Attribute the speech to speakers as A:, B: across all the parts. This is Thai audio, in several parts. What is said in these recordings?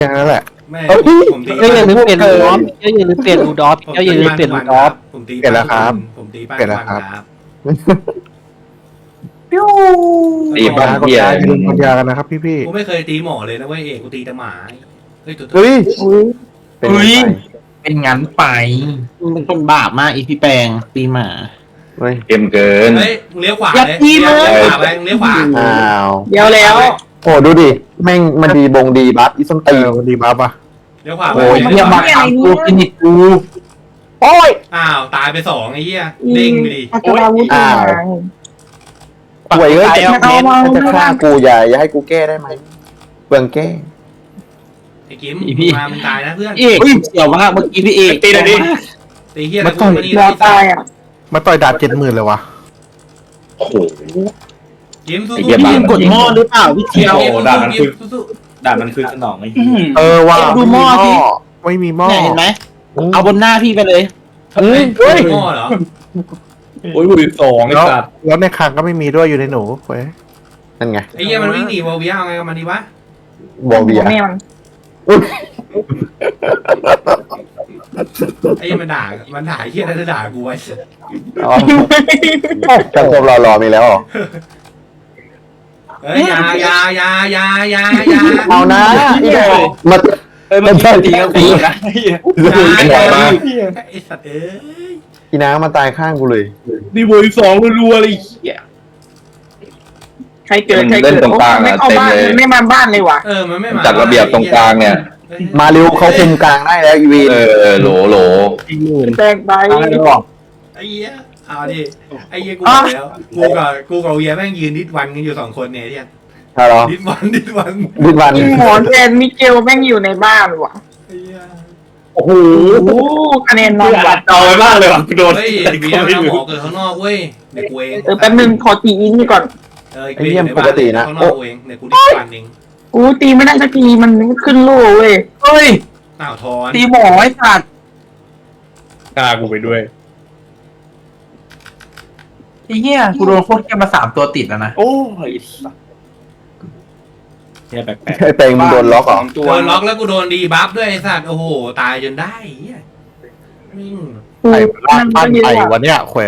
A: อย่างนั้นแหละ
B: แม่
A: เอ้ย
B: ผมตี
C: เจ้าอย่าลืมเปลี่ยนรูดอฟเจ้าอย่าลืมเปลี่ยนรูดอฟเจ้าอย่าลืมเปลี่ยนรูดอฟ
B: ผมตี
A: เปลี่ยนแล้วครับ
B: ผมตีป้า
A: เปลี่ยนแล้วครับ
D: ตีบ้าน
A: กด
D: เฮีย
A: ยาอย่าลืมกดยากันนะครับพี่
B: กูไม่เคยตีหมอเลยนะเว้ยเอกกูตีแต่หมาเฮ้ยตัว
A: ๆเฮ้ย
D: เป็นไง
E: เป็นงั้นไปมันเป็นคนบาปมากอีพี่แปลงตีหมา
A: เฮ้ย
D: เต็มเกิน
B: เฮ้ยมึงเลี้ยวขวา
E: อย่า
B: เลย
E: ตี
B: เลี้ยว
E: เลย
B: ขวาไปมึงเลี้ยวขวา
A: อ้าว
F: เดี๋ยวแล้ว
A: โอ้ดูดิแม่งมันดีบงดีบัฟอีส้นตีนดีบัฟอ่ะ
B: เลี้ยวขวาไป
A: โอ้ย
E: เฮียมาทำกูกินิกกู
A: โอ้ย
B: อ้าวตายไปสองไอ้เหี้ยเด้งไปดิ
F: อัคราวุธ
A: อ้าว ป่วยเอ้ยจะฆ่ากูอย่าให้กูแก้ได้ไหมเปลืองแก้
B: ไอ้กิมมามึงตายนะเพื่อน
E: เอกเกี่ยวมากเมื่อกี้พี่เอก
D: ตีหน่อยดิ
B: ตีเหี้ยแล้วกูมานี่
F: รอตายอ่ะ
A: มาต่อยดาบ70,000เลยวะ
D: โอ้โห
B: กิมสู้
D: ไอ้
B: ๆ
D: เหี้ยบ้า
E: กดหม้อหรือเปล่าพี่เทียว
B: กิม
G: ด่ามันคือ
B: สู้
G: ด่านมันคือสนองไอ้
A: ว่า
E: ดูหม้อสิ
A: ไม่มีหม้อ
E: เนี่ยเห็นไหมเอาบนหน้าพี่ไปเลย
B: ๆเฮ้ย
A: เฮ้ย
B: หม้อเหรอ
G: โอ้ยบุรีสองไอ้
A: แล้ว
G: สัตว์
A: แล้วในคางก็ไม่มีด้วยอยู่ในหนูเว้ยนั่นไง
B: ไอ้เหี้ยมันวิ่งหนีวอลเวียเอาไงกับมันดีวะ
A: บอเบีย
F: แม่มัน
B: ไอ้เหี้ยมันด่าไอ้เหี้ยนั่นจะด่ากูไว้
A: จังคมรอมีแล้วเหรอ
B: เฮ้ยอยา
A: เอานะอีเดมา
G: มันใช่ตีกันตีนะ
D: เป็นไหวมาก
B: ไอ้สัตว์เอ้ย
A: อีน้ามาตายข้างกูเลย
G: นี่บุรีสองรัวๆเลยเหี้ย
F: ใครเกิดใครเกิดไม่เข้าบ้านไม่มาบ้านเลยว่ะ
B: มันไม่มา
D: จัดระเบียบตรงกลางเนี่ย
A: มาเร็วเขาคุมกลางได้แล้วอีวี
D: โหล
F: แตกไป
B: ไอ้เหี้ยเอาดิไอ้เหี้ยกูบอกแล้วกูกับเวียแม่งยืนดิดวันกันอยู่2 คนเนี่ยเนี่ย
A: ใช่หรอ
B: ดิดวัน
A: ดิวัน
F: หมอแทนมิเกลแม่งอยู่ในบ้านว่ะ
B: ไอ้เหี้ย
G: โอ้โห
F: โอ้คะแนนนอนว่ะ
G: จอยมากเลยว่ะกูโดน
B: เฮ้ยเวียมันเอาหมอเกิดข้างนอกเว้ยเดี๋ยวกูเอง
F: แป๊บนึงขอตีอินนี่ก่อน
B: กูเองข้างนอกกูเองเดี๋ยวกูดิดวันเอง
F: กูตีไม่ได้สักทีมันขึ้นโล่เว้ย
E: เฮ้ย
B: อ้าวทอน
E: ตีหมอไอ้สัตว์
G: กล้ากูไปด้วย
E: ไอ้เหี้ยกูโดนโคตรแค่มา3 ตัวติดแล้วนะ
G: โอ้ยสัตว์เนี่ยแปลก
A: ไอ้เตงมึงโดนล็อกเหรอ
G: ตัว
B: โดนล็อกแล้วกูโดนดีบัฟด้วยไอ้สัตว์โอ้โหตายจนได้เหี้ย
A: ไอ้บ้านปั้นไอ้วันเนี้ยแขว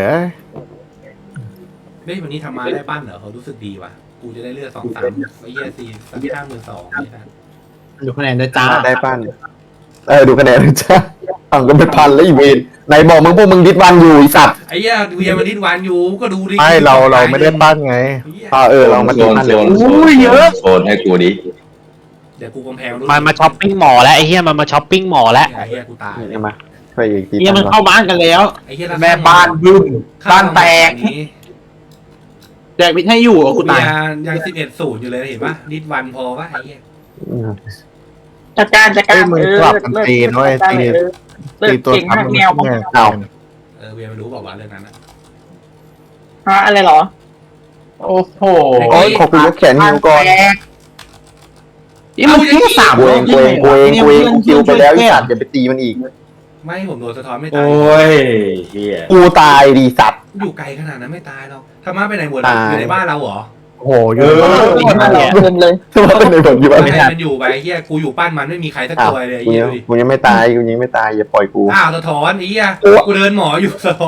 B: เฮ้ยวันนี้ทำมาได้ปั้นเหรอเขารู้สึกดีว่ะกูจะได้เลือด2-3ไอ้เหี้ย4-52นี่นะ
E: ดูคะแนนด้วยจ้า
A: ได้ปั้นดูคะแนนจ้าฝั่งก็เป็นพันแล้วอีเวนไหนบอกมึงพวกมึงดิดวันอยู่อีสัตว์
B: ไอ้เหี้ยเวียมันดิดวันอยู่ก็ดูดิ
A: ไม่เราไม่ได้ปั้นไงเรามา
D: โซ
A: ดิด
D: น
A: ปั้น
D: โซ
A: เลย
D: นโซนให้กูดิ
B: เดี๋ยวกูกำแพง
C: มันมาช้อปปิ้งหมอแล้วไอ้เหี้ยมันมาช้อปปิ้งหมอแล้ว
B: ไอ้เหี้ยกูตาย
A: นี่มาช่วยอีกที
E: เหี้ยมันเข้าบ้านกันแล้ว
B: ไอ้เหี้ย
E: แม่บ้านบึ้มบ้านแตก
B: นี้
E: แจกมิดให้อยู่อ่ะกูตาย
B: ยัง11-0อยู่เลยเห็นปะดิดวันพอปะไอ้เหี้ย
F: จัดการ
A: มือสลับกันตีนด้วยตีตัว
F: เก่ง
A: ซ้ำ
F: มาก
A: มัน
F: แนว
A: เอา
B: เวียมันรู้บอกว่าเรื่องนั้นนะ
F: ฮะอะไรหรอ
E: โอ้โห
A: โอ้ยขอกูยกแขนนิ้วก่อน
E: นี่มึงแค่3
A: กูเองกูคิวไปแล้วอีสัตว์อย่าไปตีมันอีก
B: ไม่ผมโดนสะท้อนไม่ตาย
G: โอ้ยเฮีย
A: กูตายดีสัตว์
B: อยู่ไกลขนาดนั้นไม่ตายหรอกธรรมะไปไหนหมดเลยอยู่ในบ้านเราเหรอ
A: โอ้โหเยอะ
F: เดินเลย
A: ทำไมเป็นในผมอยู่
B: ไม่
A: ไม่
B: ใช่
A: ได้
B: มันอยู่ไปเหี้ยกูอยู่ปั้นมันไม่มีใครสักตัวเลย
A: กู
B: เหี้ย
A: ยัง
B: ดูดิ
A: กูยังไม่ตายอย่าปล่อยกู
B: อ้าวสะท้อนไอ้เหี้ยกูเดินหมออยู่สะท้อน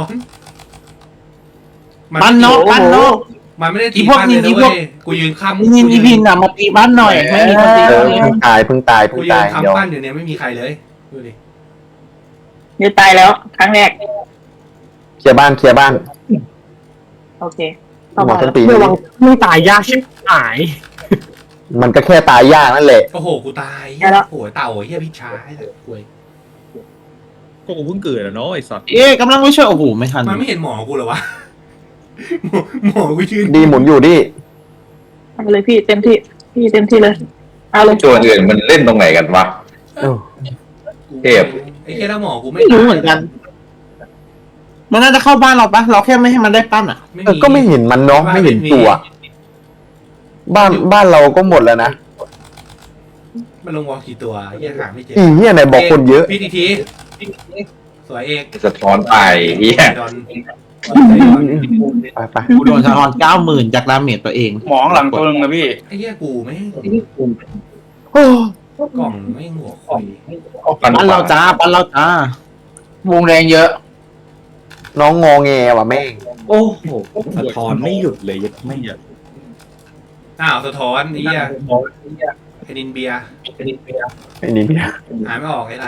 E: บ้านนอกบ้านนอก
B: มันไม่ได้ตี
E: อีพวก
B: บ้านเลย
E: อี
B: นะ
E: พว
B: เว้
E: ก
B: ยกูยืนค้ำ
E: นี่อีพินอ่ะมาตีบ้านหน่อยไม่มีคนตี
A: เอ
E: เล
A: อย เพิ่งตาย
B: กูยืน
A: เดี๋ยว
B: ค้ำปั้นอยู่เนี่ยไม่มีใครเลยดูดิ
F: เดี๋ยวตายแล้วครั้งแรก
A: เคลียร์บ้าน
F: โอเค
A: หมอต้นปี
E: มึงตายยากชิบหาย
A: มันก็แค่ตายยากนั่นแหละ
B: โอ้โหกูตายโอ้โหเต่าเหี้ยพิชชาไอ้สัตว์กล้วย
G: ก็กูเพิ่งเกิดอะเนาะไอ้สัตว์
E: เอ๊ะกำลังไม่ช่วยโอ้โหไม่ทัน
B: มันไม่เห็นหมอกูเหรอวะหมอกูยืน
A: ดีหมุนอยู่ดิ
F: เอาเลยพี่เต็มที่เลยเอาเลย
D: ตัวอื่นมันเล่นตรงไหนกันวะ เทพ
B: ไอ้แค่ถ้าหมอกูไม่
E: ไม่รู้เหมือนกัน มันน่าจะเข้าบ้านเราปะเราแค่ไม่ให้มันได้ปั้นอ่ะ
A: ก็ไม่เห็นมันเนาะไม่เห็นตัว บ้านเราก็หมดแล้วนะ
B: มันลงวอลกี่ตัวเหี้ยหาไม่เจอ
A: อีเหี้ยไหนบอกคนเยอะ
B: พี่ทีสวยเอก
D: สะท้อนไปเฮีย
B: ดอน
A: ไป
E: กูโดนสะท้อน90,000จากดาเมจตัวเอง
G: หมองหลังตัวนึงนะพี่
B: ไอ้เหี้ยกูไม่
A: โอ้
B: กล่องไม่หัวคุย
E: ปั้นเราจ้าวงแรงเยอะ
A: น้องงอแงว่ะแม่ง
G: โอ้โหสะท้อนไม่หยุดเลยยัดไม่หยุด
B: อ้าวสะท้อนไอ้เหี้ยไอ้นินเบียร์
A: ไอ้นี่พี่
B: หายไม่ออกไอ้นัด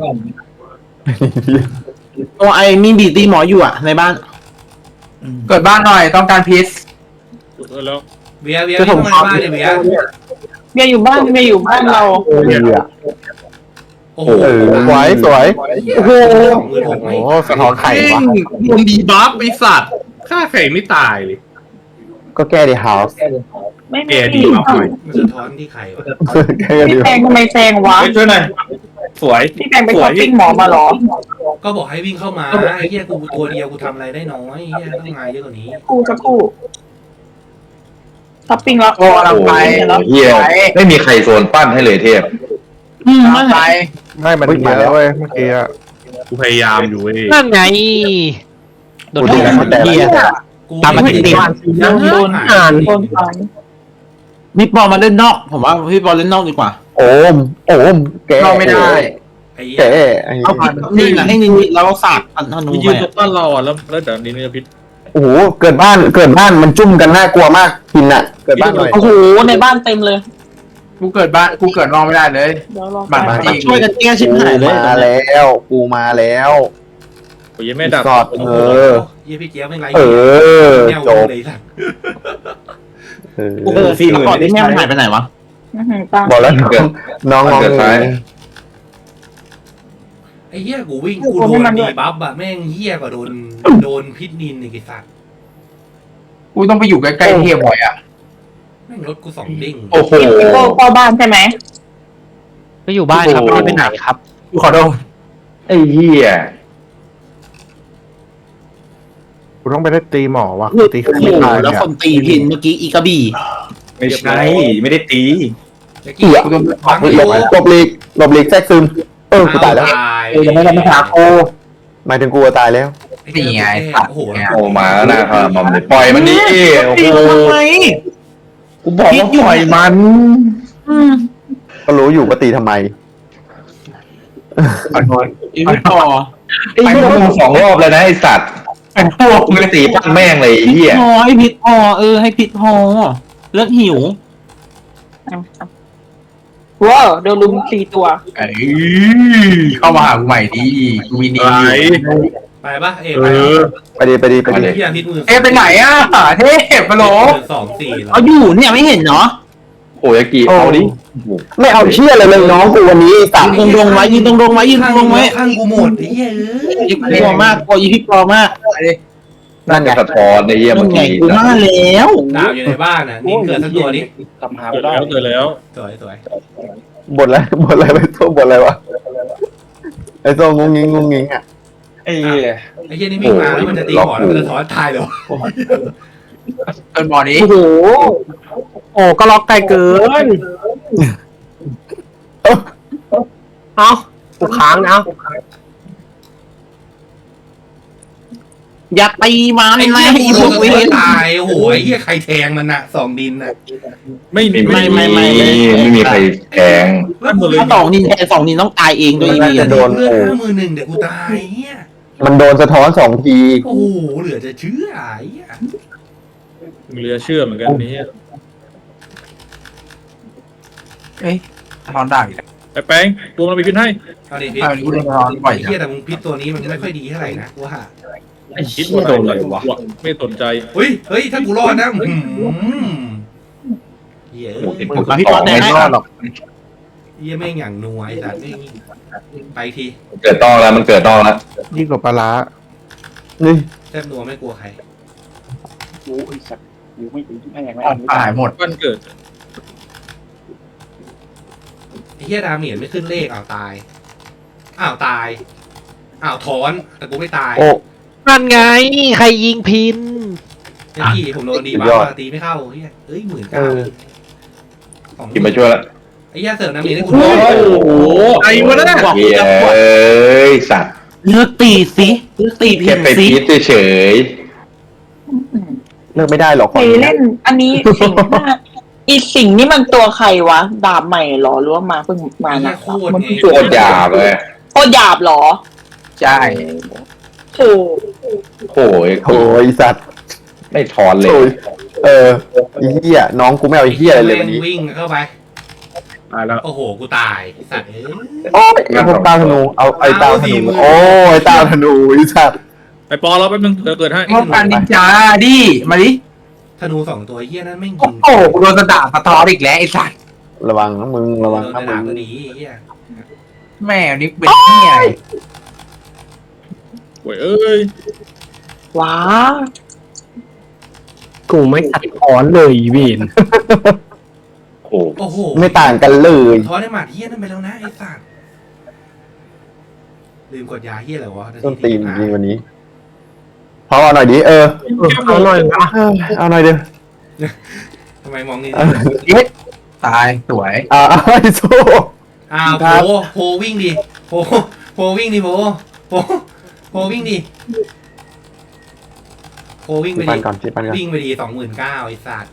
E: ตัวไอ้มีบีตีหมออยู่อ่ะในบ้านเกิดบ้านหน่อยต้องการพีซ
G: แล้ว
B: เบียร์ที่เข้ามาในบ้านเนี่ยเบียร์
F: เมียอยู่บ้านเรา
B: โอ้โห
A: สวยสวย
E: โอ้โห
B: 26,000ไหม
A: โอ้สะท้อนไข่วะ
E: โดนดีบัฟไอสัตว์
G: ฆ่าไข่ไม่ตายเลย
A: ก็แก้ดีเฮาส์
F: ไม่
G: แก
F: มี
G: ดีมากเลย
B: มันสะท้อนที่ไข่วะ
A: แก้ดี
F: พี่แตงทำไมแซงวะ
G: ช่วยหน่อยสวย
F: พี่แตงไปช้อปปิ้งหมอมาเหรอ
B: ก็บอกให้วิ่งเข้ามาไอ้เหี้ยกูตัวเดียวกูทำอะไรได้น้อยไอ้เหี้ยต้องมาเยอะกว่านี้
F: กูจะกูช้อปปิ้งแล้ว
E: โอ้ลังไป
D: เฮียไม่มีใครโซนปั้นให้เลยเทพ
E: ไม่ไป
H: ไม่มันมาแล้วเว้ยเมื่อกี้อะ
G: กูพยายามอยู่เว้ย
C: นั่นไงโดน
A: กู
C: แท
A: ดู
C: ง
A: มันแต่
C: เฮีย
B: กู
C: ตามมาติด
B: โดนหาย
F: โดนฟัน
E: พี่ปอมาเล่นนอก ผมว่าพี่ปอเล่นนอกดีกว่า
A: โอมแก้
E: นอกไม่ได้
B: ไอ้เหี้ย
A: แก้ไอ้
E: เอาผ่านนี่นะให้นินแล้วก็สาดอันธนู
G: มี
E: ไป
G: ยืนตรงบ้านเราอ่ะแล้วเดี๋ยวนี้เนี่ยพิษ
A: โอ้โหเกิดบ้านมันจุ่มกันน่ากลัวมากพินอะเกิดบ้านหน่อย
F: โอ้โหในบ้านเต็มเลย
E: กูเกิดนอกไม่ได้เลย
F: เดี๋ยวรอ
E: บัตรมาช่วยกันแก้ชิบหายเลย
A: มาแล้วกูมาแล้ว
G: โอ้ยไม่ดับ
A: สอด
B: โอ้โหเหี้ยพี่เจี๊ยบไม่ไร
A: เออ
B: แนว
A: จบ
B: เลยสัตว์
E: โอ้โหแล้วก่อนที่แม่มันหายไปไหนวะ
F: ตั้ง
A: บอกแล้วน้องงอแง
B: ไอ้เหี้ยกูวิ่งกูโดนดีบัฟอะแม่งเหี้ยกว่าโดนพิษนินไอ้สัตว์
E: กูต้องไปอยู่ใกล้ๆเทียบ่อยอ่ะ
B: แม่งรถกู2 ดิ้ง
A: โอ้โห
F: เข้าบ้านใช่ไหม
C: ก็อยู่บ้านครับไม่ได้ไปไหนครับ
E: กูขอโทษ
D: ไอ้เฮีย
H: กูต้องไปได้ตีหมอว่ะตี
E: โอ้
H: ไม่
E: โห
H: ตาย
E: แล้ว
H: เนี่ย
E: คนตีพินเมื่อกี้อีกระบี่
G: ไม่ใช่ไม่ได้ตี
B: ตะกี้
E: กูโดน
B: ฟัง
A: หลบหลีกแทรกซึมกูตายแล้ว
E: ยังไม่ได้มาหาโค
A: หมายถึงกูตายแล้ว
E: นี่ไง
B: โอ้โห
D: โอ้มาหน้าครับมอมเลยปล่อยมันดิโอ้
E: ตี
D: โห
E: ทำไม
D: กูบอกว่าปล่อยมัน
A: ก็รู้อยู่ว่าตีทำไม
E: อีพี่ปอ
D: ไอ้พวกมึง2 รอบเลยนะไอ้สัตว์
E: ไอ้พวก
D: มึงตีปั้นแม่งเลยไอ้เฮีย
E: พอให้พิษพอให้พิษพอเลิกหิว
F: ว้าวโดนลุม4 ตัว
E: เข้ามาหากูใหม่ดีกูมีดี
B: ไปปะเอ๋
G: เอ
B: ไปปะ
G: อ
A: ไปดี
B: พี่อาทิตย์มือ
E: ไปไหนอ่ะเทพปะโหล
B: 2-4แล้ว
E: เอาอยู่เนี่ยไม่เห็นเนาะ
D: โอ้ยากิเอาดิ
A: ไม่เอาเชื่อเลยน้องกูวันนี้สาม
E: ยืนตรงๆไว้ยืนตรงๆไว้ยืนตรงๆไว้
B: ข้างกูหมดไอ้เหี้ย
E: อีพี่ปอมากอีพี่ปอมาก
A: นั่นไง
D: สะท้อนไอ้เฮีย
E: มั
D: เมื่
E: น
D: อ
E: ไง
D: กี้
E: กูมาแล้ว
B: ดาวอยู่ในบ้านน่ะนี่เกิดสักตัวนี้
G: เกิดแล้ว
B: สวย
A: บทอะไรไปโซ่บทอะไรวะไอ้โซ่งงงิงอ่ะ
B: ไอ้เหี้ยนี่วิ่งมาแล้วมันจะตีหมอนแล้วมันจะถอนตายเหรอ
E: เป็นบ่อนี้
F: โอ้โห
C: โอ้ก็ล็อกไกลเกินเอากูค้างนะ
E: อย่าตีมัน
B: ไอ้
E: นะ
B: เหี้ย
E: อี
B: กู
E: พ
B: โด
E: วน ก
B: สะ
E: เว
B: ท้อน
E: ร
B: ตายโอ้โหไอ้เหี้ยใครแทงมันน่ะ2 ดินน่ะ
G: ไม่มี
D: ไม่มีใครแทง
E: ถ้า2 นินแทน2 นินต้องตายเองด้วยอี
A: น่า
E: พี
A: จะโดน
B: เลือ
A: โอ้
B: ด51เดี๋ยวกูตายเหี้ย
A: มันโดนสะท้อน2 ที
B: โอ้โหเหลือจะเชื่อไอ้เหี้ย
G: เรือเชื่อเหมือนกันนี้
E: ทอนได้
G: ไอ้แป้งรวมเราไปพิษให้
B: เอาดิพิษ
E: กูโดนทอนบ่อย
B: ไอ้เหี้ยแต่มึงพิษตัวนี้มันไม่ค่อยดีเท่าไหร่นะกูว่า
G: ไอ้คิดว่าโดนอะไรวะไม่สนใจ
B: เฮ้ยถ้ากูรอดนะเหี้ย
E: ผมพี่ปอแดงให้
B: เหี้ยแม่งอย่างนัวไอ้สัตว์แม่งไปที
D: เกิดต้องแล้วมันเกิดต้องแล้ว
H: ยิ่งกว่าปลาร้า
A: นี่
B: แทบนัวไม่กลัวใคร
E: หายหมด
G: วันเกิด
B: ไอ้เหี้ยดาเมียนไม่ขึ้นเลขตายตายถอนแต่กูไม่ตาย
A: โอ้
C: นั่นไงใครยิงพิน
B: ไอ้พี่ผมโดนดีบ้าตีไม่เข้าเหี้ย19,000
D: กินมาช่วยละ
B: ไอ้เหี้ยเสริมน้ำเมียนให้กู
E: โอ้
B: ด้วย
E: โหไอ้วะเนี่ยบอก
D: เย้ยสัตว์
E: เลือกตีสิเลือกตีพิ
D: แค่
E: น
D: ไป
E: สิ
D: พีชเฉย
A: เลิกไม่ได้หรอก
F: ไปเล่นอันนี้4-5 อีสิ่งนี่มันตัวใครวะดาบใหม่เหรอหรือว่ามาเพิ่งมา
B: ไอ้เหี้
F: นะ
B: ยโคตร
F: มัน
B: ไง
F: เพิ่ง
D: โคตรหยาบเลย
F: โคตรหยาบเหรอ
E: ใช่
F: โอ้
D: โอ้ย
A: โอ้ยไอ้สัตว์
D: ไม่ถอนเลย
A: โอ้ยไอ้เหี้ยน้องกูไม่เอาไอ้เหี้ยอะไรเลยวันนี้
B: วิ่งเข้าไป
G: ตายแล้ว
B: โอ้โหกูตายสัตว์เอ้ย
A: โอ้ยไอ้พวกตาธนูเอาไอ้ตาธนูโอ้ยไอ้ตาธนูไอ้สัตว์
G: ไอ้ปอเราแป๊บนึงเดี๋ยวเกิดให้
E: ป้องกันนินจาดิมาดิ
B: ธนูสองตัวเหี้ยนั้นไม่ง
E: โอ้
B: ยิง
E: โหกูโดนสะดาบสะท้อนอีกแล้วไอ้สัตว์
A: ระวังนะมึงระวัง
B: โดน
A: นะ
B: กระ
A: มึ
B: ดาง ษตัวนี้เหี้ย
E: แม่นี่เป็นเหี้ย
G: โอ้ยเอ้ย
F: ว้า
C: กูไม่ขัดขอนเลยเวน
D: โอ้
B: โอ้โห
A: ไม่ต่างกันเลย
B: ท้อได้หมาดเหี้ยนั่นไปแล้วนะไอ้สัตว์ลืมกดยาเหี้ยอะไรวะ
A: ต้นตีนจริงวันนี้พอเอาหน่อยดิเอาหน่อยเอาหน่อยเดียว
B: ทำไมมองนี่
E: ตายสวย
A: ไอ้โซ่
B: อ้าวโพวิ่งดิโพวิ่งดิโพวิ่งดิโพวิ่งไป
A: ปั
B: ดิ
A: นก่อนชิปันก่อน
B: วิ่งไปดี29,000ไอ้สัตว์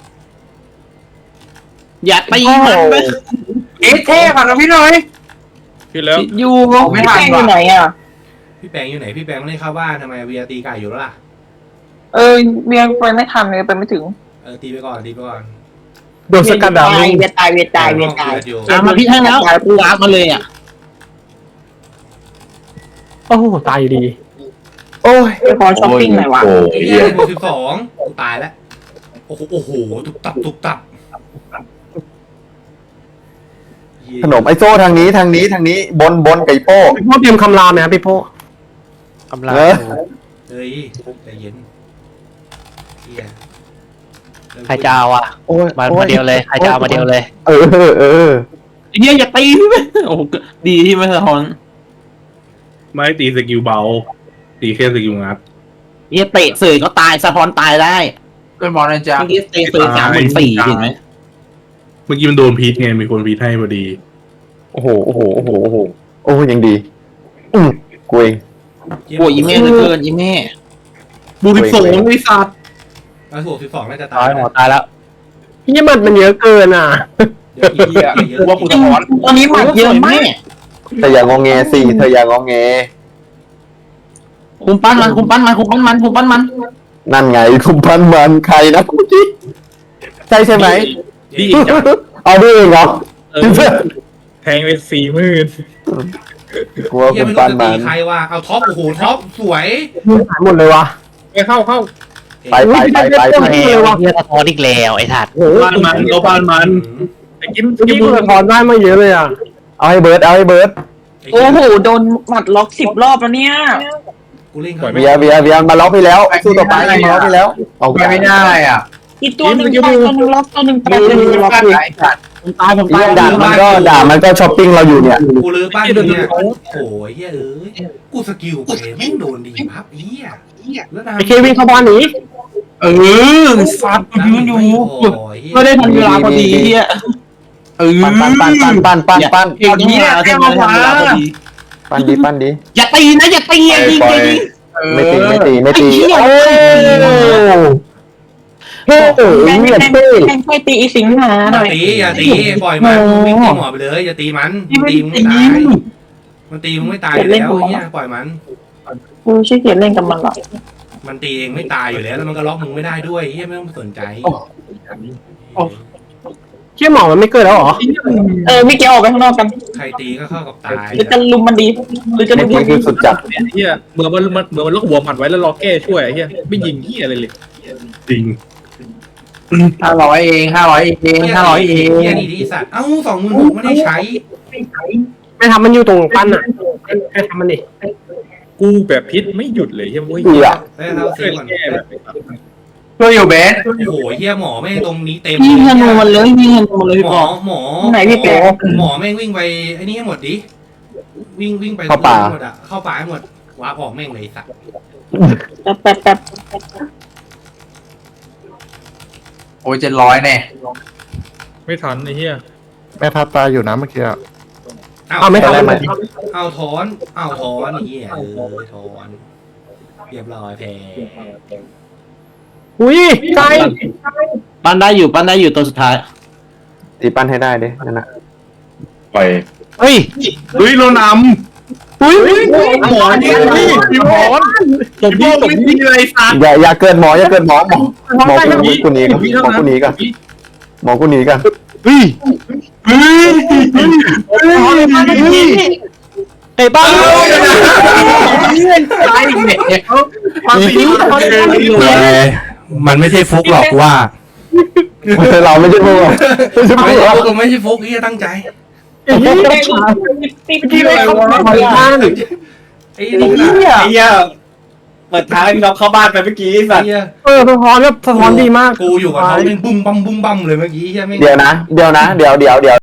E: อย่าตีมันเลยเท่ผ่านกับพี่หน่อย
G: ขึ้นแล้ว
E: อยู่
F: ไม่
E: ไม่
F: ทั
E: ทั
F: น
E: น
F: อยู่ไหน
E: ว่ะ
F: อ่ะ
B: พี่แปงอยู่ไหนพี่แปงไม่ได้เข้าบ้านทำไมเวียตีไก่อยู่แล้วล่ะ
F: เบียร์ไปไม่ทันเลยไปไม่ถึง
B: ตีไปก่อนตีไปก่อน
H: โดนสกัดดาว
F: เวียตายเวียตายเวียตาย
B: อยู่
C: มาพี่ให้แล้วกูวาร์ปมาเลยอ่ะโอ้ตายดี
A: โอ้ย
F: ไปขอช้อปปิ้งหน่อยวะ
D: โอ้
B: ไอ้
D: ย
B: เหี้ย12กูตายแล้วโอ้โหตุบตับ
A: ขนมไอ้โซ่ทางนี้บนไก่โป้
C: พี่โป้เตรียมคำรามไหมครับพี่โป้คำราม
B: เฮ้ยใจเย็นเหี้ย
C: ใครจะเอาอ่ะ
A: โอ้ย
C: มาเดียวเลยใครจะเอามาเดียวเลย
A: เออ
E: เฮียอย่าตีพี่ไหมโอ้ดีที่ไม่สะท้อน
G: ไม่ตีสกิลเบา ตีแค่สกิลงัด
E: เฮียเตะเสยก็ตายสะท้อนตายได้เป็นบอลนะจ๊ะเมื่อกี้เตะเสย3,400เห็นไหม
G: เมื่อกี้มันโดนพีทไงมีคนพีทให้พอดี
A: โอ้โหยังดีกูเอง
E: โอ้ยอีแม่เหลือเกินอีแม่บูริโซนวิสัต
B: แล้วถูก12น่าจะ
C: ตา
B: ตาย ย
C: หมอตายแล้วพี่มันเยอะเกินอ่ะ
B: เดี๋ยวอีกเยอะ
E: กูว่ากูสะท้อน
F: ตอนนี้หมัดเยอะมาก
A: เธออย่างงอแงสิเธออย่างงอแง
E: คุมปั้นมัน
A: นั่นไงคุณพันมันใครนะเมื่อกี้ใช่ใช่ไหม
G: ดีอีกจัง
A: เอาด้วยเหรอ
G: แทงไป40,000
A: กลัว
B: เหี้ย
A: คุณ
B: ไม่รู้
A: พัน
B: จะ
A: มั
B: ตี
A: น
B: ใครวะเอาท็อปโอ้โหท็อปสวย
C: หายหมดเลยวะ
G: ไปเข้า
A: ไป
C: เฮียสะท้อนอีกแล้วไอ้ถัด
G: บ้านมันเราบ้านมันไอ้กิม
C: พี่กูสะท้อนได้มาเยอะเลยอ่ะ
A: เอาให้เบิร์ด
F: โอ้โหโดนหมัดล็อก10 รอบแล้วเนี่ย
B: กูเล่น
A: เบียร์มาล็อกไปแล้วสู้ต่อไปมาล็อกไปแล้วเอา
E: ไม่ได้อ่ะ
F: อีกตัวหนึ่งตายตัวหนึ่งล็อกตัวหนึ่งตายตัวหนึ่งล็อกอยู่
E: ผมตาย
A: ด่ามันก็ช้อปปิ้งเราอยู่เนี่ย
B: กูลื้อบ้านอยู่เนี่ยโอ้โหเหี้ยกูสกิลไปแม่งโดนดีพับเหี้ยแล้วนะ
C: ไอเควินเข้าบ้านหนี
E: ฟัดยืนอยู่
B: ก็
E: ไม่
B: ได้
E: ได้ทันเวลาพอดีเฮีย
A: ปั้น
E: เก่งนี้แค่มา
A: ปั้นดี
E: อย่าตีนะอย่าตีอย่ายิงอย่ายิง
A: ไม่ตีโอ้เฮ้ย
F: แม่ง
A: เนี่ยเต้
F: แค่ตีอีสิงหาหน่อย
B: อย่าตีปล่อยมันวิ่งตีหมอไปเลยอย่าตีมันตีมึงไม่ตายมันตีมึงไม่ตายอยู่แล้วเหี้ยปล่อยมัน
F: กูขี้เกียจเล่นกับมันหรอก
B: มันตีเองไม่ตายอยู่แล้วแล้วมันก็ล็อกมึงไม่ได้ด้วยเฮียไม่ต้องสนใจ
C: เชี่ยหมอมันไม่เกิดแล้วเหรอ
F: พี่เกียร์ออกไปข้างนอกกัน
B: ใครตีก็เข้ากับตาย
F: หรือจะลุมมันดีหรือจะลุม
A: นี่
F: มัน
A: คื
F: ดี
A: อสุดจัด
G: เฮียเหมือนมันล็อกหัวหมัดไว้แล้วรอแก้ช่วยเฮียไม่ยิงเฮียอะไรเลยจริง
E: 500เอง500เอง
B: เฮียนี่ดิสัตว์เอ้า26,000ไม่ได้ใช้
C: ไม่ทำมันอยู่ตรงปั้นอ่ะแค่ทำมันดิ
G: กูแบบพิษไม่หยุดเลยเฮียเว้ย
A: เบื่อ
B: ได้เรา
G: ช่
B: ซื้
G: วย
B: อก่อน
G: แก้แบบ
E: ช่วยอยู่เบส
B: โอ้โหเฮียหมอแม่งตรงนี้เต็ม
F: ยิงธนูมันเลยยิงธนูมันเลยพี่
B: หม
F: ป
B: อ
F: อ
B: หมอ
F: ไหนพี่แป๊ะ
B: หมอแม่งวิ่งไปไอ้นี่ให้หมดดิวิ่งไปหมดอ่ะเข้าป่าให้หมดวาร์ปออกแม่งเลยสัตว์
F: แป๊บ
E: โอ้ย700แน่
G: ไม่ทันไอ้เฮีย
H: แม่ทับตายอยู่นะเมื่อกี้
C: เอาไม่ทำมัน
B: เอาถอนเฮียถอนเรียบร้อยแพ้
C: อุ้ยไกล
E: ปั้นได้อยู่ตัวสุดท้าย
A: ตีปั้นให้ได้ดินั่นนะ
D: ปล่อย
C: เฮ้ย
G: เฮ้ยเรานำอุ้ยหมอเนี่ยพี่หมอตบพี่เลยสัตว์
A: อย่าเกินหมออย่าเกินหมอกูหนีกันหมอกูหนีกันหมอกูหนีกัน
C: เฮ้ยไอ้บ้า
B: มันไม่ใช่ฟุกหรอกว่า
A: เราไม่ใช่พวกไม่ใช่พว
B: ไม่
A: ก
B: ใช่ฟุกไม่ใช่ฟุกที่ตั้งใจ
F: ที่อะไรวะ
B: ไอ้นี่
I: ไอ้เหี้ยเปิดทางให้พี่น้องเข้าบ้านไปเมื่อกี้สัตว์
H: สะท้อนก็สะท้อนดีมาก
B: กูอยู่กับเขาเป็นบุ้มบั้มเลยเมื่อกี้ใช่ไหม
A: เดี๋ยวนะ